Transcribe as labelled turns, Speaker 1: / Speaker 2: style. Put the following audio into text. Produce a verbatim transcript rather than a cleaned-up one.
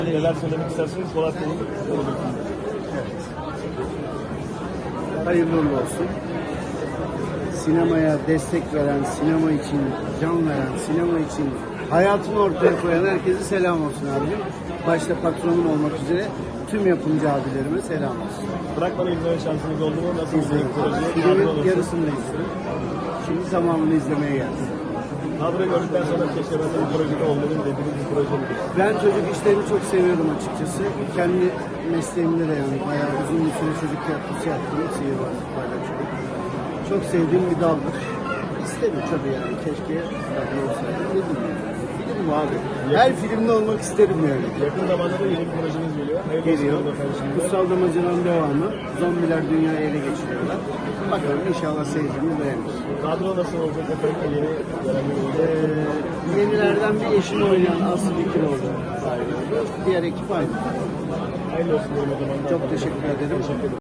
Speaker 1: Neler söylemek isterseniz Polat Bey'in.
Speaker 2: Evet. Hayırlı uğurlu olsun. Sinemaya destek veren, sinema için can veren, sinema için hayatını ortaya koyan herkese selam olsun abim. Başta patronum olmak üzere tüm yapımcı abilerime selam olsun.
Speaker 1: Bırakmadı izleme şansınız oldu mu? Nasıl izledik projeyi?
Speaker 2: Filmin yarısını da izledim. Şimdi tamamını izlemeye geldim.
Speaker 1: Kadro gördükten sonra keşke ben de bu projede olmalıyım dediğiniz bir proje midir?
Speaker 2: Ben çocuk işlerini çok seviyorum açıkçası. Kendi mesleğimde de yani bayağı uzun bir süre çocuk tiyatrosu yaptım. Sihirbazlık, paylaşım. Çok sevdiğim bir daldır. İsterim tabii yani. Keşke tabii olsaydı. Ne bileyim. Film bu abi. Her filmde olmak isterim yani.
Speaker 1: Yakın zamanda da yeni bir projeniz geliyor. Hayırlı
Speaker 2: Geliyor.
Speaker 1: olsun efendim şimdi.
Speaker 2: Kutsal Damacana'nın devamı. Zombiler dünyayı ele geçiriyorlar. Bakalım inşallah seyircimiz beğenir.
Speaker 1: Kadro nasıl olacak efendim? Yeni gelen bir olacak.
Speaker 2: Ee, yenilerden bir eşini oynayan Aslı Dikiroğlu sahibi. Diğer ekip aynı.
Speaker 1: Hayırlı olsun diyelim o zaman.
Speaker 2: Çok teşekkür ederim.
Speaker 1: Teşekkür ederim.